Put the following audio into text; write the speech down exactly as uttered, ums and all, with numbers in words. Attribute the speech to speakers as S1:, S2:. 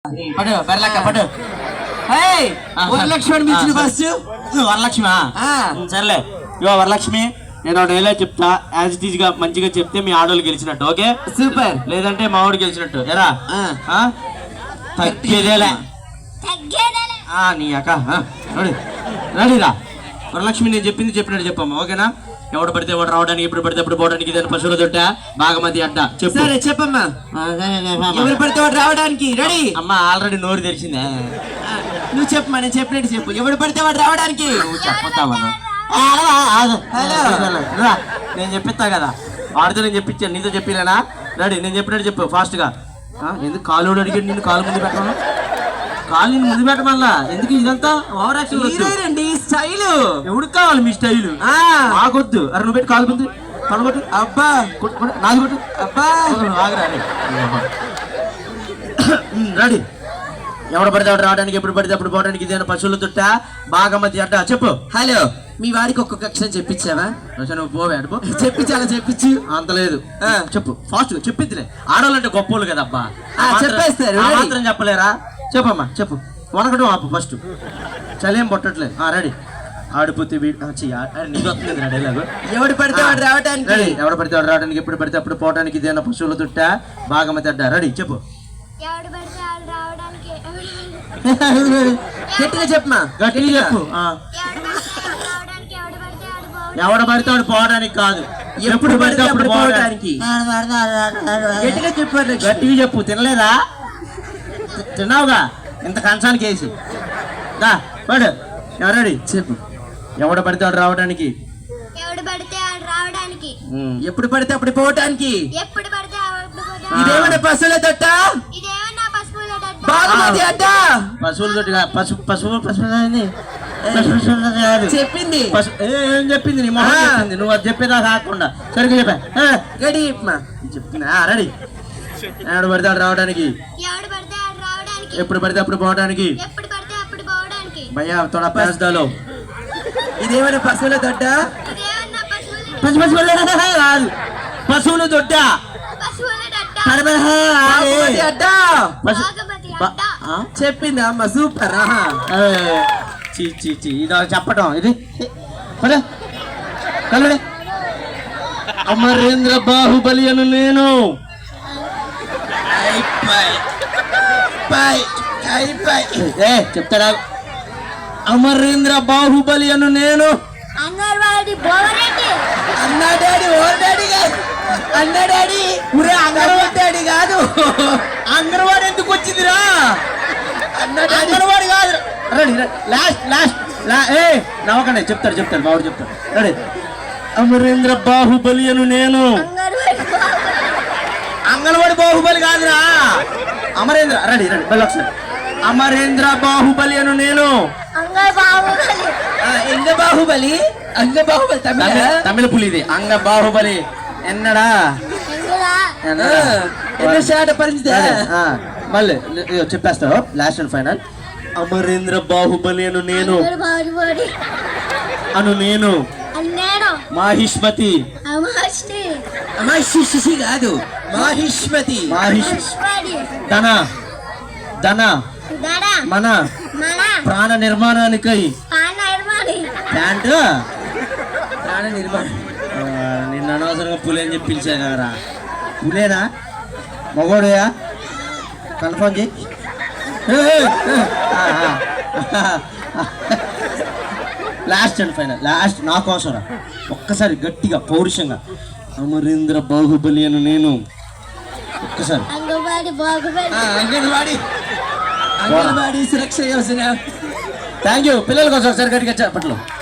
S1: పడు బెరలక్క పడు.
S2: వరలక్ష్మి పిలిచిన ఫస్ట్.
S1: వరలక్ష్మి సర్లే. ఇవో వరలక్ష్మి, నేను డైలాగ్ చెప్తా, యాజ్ ఇట్ ఈజ్ గా మంచిగా చెప్తే మీ ఆడోళ్ళు గెలిచినట్టు. Okay
S2: super.
S1: లేదంటే మా వాడు గెలిచినట్టు. ఎరా తగ్గేదేలే నీ అక్క. రెడీరా వరలక్ష్మి, నేను చెప్పింది చెప్పినట్టు చెప్పమ్మా. ఓకేనా? ఎవడు పడితే వాడు రావడానికి, ఎప్పుడు పడితే అప్పుడు పోవడానికి ఇదే పశువుల దొడ్డ బాగమతి అడ్డ. చెప్పు.
S2: చెప్పమ్మా. ఎవరు పడితే వాడు రావడానికి రెడీ.
S1: అమ్మ ఆల్రెడీ నోరు తెరిచిందే.
S2: నువ్వు చెప్పమ్మా, నేను చెప్పినట్టు చెప్పు. ఎవడు పడితే వాడు రావడానికి.
S1: నువ్వు చెప్పుతావా? నేను చెప్పిస్తా కదా, వాడితో నేను చెప్పించాను, నీతో చెప్పినా. రెడీ, నేను చెప్పినట్టు చెప్పు ఫాస్ట్ గా. ఎందుకు కాలు అడిగాడు నిన్ను కాలు ముందు పెట్టమన్నా? కాలు నిన్ను ముందు పెట్టమల్లా ఎందుకు? ఇదంతా ఓవర్ యాక్షన్.
S2: స్టైల్
S1: ఎవరికి కావాలి మీ స్టైల్? ఆగొద్దు. అరే నువ్వు పెట్టి కాలు ముందు పడగొట్టు.
S2: అబ్బా
S1: నాది కొట్టు.
S2: అబ్బా
S1: ఆగరా. రెడీ. ఎవడు పడితే ఎవడు రావడానికి, ఎప్పుడు పడితే అప్పుడు పోవడానికి ఇదేనా పశువుల తొట్ట బాగమతి అడ్డ. చెప్పు.
S2: హలో, మీ వాడికి ఒక్కొక్క అక్షరం చెప్పించావా?
S1: నువ్వు పోవే అడుపు.
S2: చెప్పించాలా? చెప్పించు.
S1: అంత లేదు. చెప్పు ఫాస్ట్ గా. చెప్పిందిలే, ఆడవాళ్ళంటే గొప్పోళ్ళు కదబ్బా.
S2: చెప్పేస్తారు.
S1: మాత్రం చెప్పలేరా? చెప్పమ్మా చెప్పు. వనకడం ఆపు ఫస్ట్. చలేం పొట్టట్లేదు. రెడీ. ఆడిపోతే నీకు వస్తుంది డైలాగు.
S2: ఎవడు పడితే వాడు రావడానికి.
S1: ఎవడు పడితే వాడు రావడానికి, ఎప్పుడు పడితే అప్పుడు పోవడానికి ఇదేనా పశువుల తొట్ట బాగమతి అడ్డ. రెడీ చెప్పు.
S2: గట్టిగా చెప్పమా.
S1: గట్టిగా చెప్పు. ఎవడ పడితే వాడు పోవడానికి కాదు, ఎప్పుడు పడితే అప్పుడు పోవడానికి.
S2: గట్టిగా చెప్పారు.
S1: గట్టిగా చెప్పు. తినలేదా? తిన్నావుగా ఇంత కంచానికి వేసి. దా పడు. ఎవరెడీ చెప్పు. ఎవడ పడితే వాడు రావడానికి,
S2: ఎప్పుడు పడితే అప్పుడు పోవటానికి.
S1: ఇదేమన్నా పశువుల తొట్ట
S2: బాగమతి అడ్డ.
S1: పశువుల తొట్టి పశువు పశువు పశువు
S2: చెప్పింది.
S1: ఏం చెప్పింది? నీ మొహం చెప్పింది. నువ్వు అది చెప్పేదా కాకుండా సరిగ్గా చెప్పా.
S2: గడి చెప్పమా.
S1: చెప్తున్నా. రెడీ. ఎవడు పడితే వాడు రావడానికి, ఎప్పుడు పడితే అప్పుడు పోవడానికి. భయ్యా తోడా పేస్తాలో.
S2: ఇదేమైనా పశువుల దొడ్డ?
S1: పశు పశువుల కాదు, పశువుల దొడ్డ.
S2: చెప్పింది అమ్మ. సూపర్.
S1: చీ చీ చీ ఇది చెప్పటం ఇది. కలడే. అమరేంద్ర బాహుబలి అను నేను. ఏ చెప్తాడా? అమరేంద్ర బాహుబలి అను నేను.
S2: అన్నా డాడీ ఓ డాడీ కాదు. అన్నా డాడీ ఊరే అంగన్వాడి డాడీ కాదు.
S1: అంగన్వాడి ఎందుకు వచ్చిందిరా? అంగన్వాడి కాదు. రెడీ. లాస్ట్ లాస్ట్ ఏ నవ్వకండి. చెప్తాడు చెప్తాడు బాబు చెప్తాడు. రెడీ. అమరేంద్ర బాహుబలి అను నేను. అంగన్వాడి బాహుబలి కాదురా, అమరేంద్ర. రెడీ రెడీ మళ్ళీ ఒకసారి. అమరేంద్ర బాహుబలి అను నేను.
S2: ఎంగ బాహుబలి. అంగ బాహుబలి తమిళ
S1: తమిళ పులి ఇది. అంగ బాహుబలి ఎన్నడా
S2: ఎన్నో పరిస్థితి.
S1: మళ్ళీ చెప్పేస్తావు last and final. Amarendra Baahubali అను నేను. అను నేను మాహిష్మతి.
S2: మహిషి కాదు, మాహిష్మతి.
S1: ధన ధన మన ప్రాణ నిర్మాణానికై. ప్యాంటు
S2: ప్రాణ నిర్మాణం.
S1: నిన్న అనవసరంగా పులి అని చెప్పి పిలిచాను కదరా. పులేనా మగోడయా? కన్ఫర్మ్ చేయి. Last and final. లాస్ట్ నా కోసం రా. ఒక్కసారి గట్టిగా పౌరుషంగా. అమరేంద్ర బాహుబలి అను నేను. ఒక్కసారి
S2: అంగన్వాడి అంగన్వాడి సురక్ష యోజన.
S1: Thank you. పిల్లల కోసం ఒకసారి గట్టిగా చెప్పట్లో.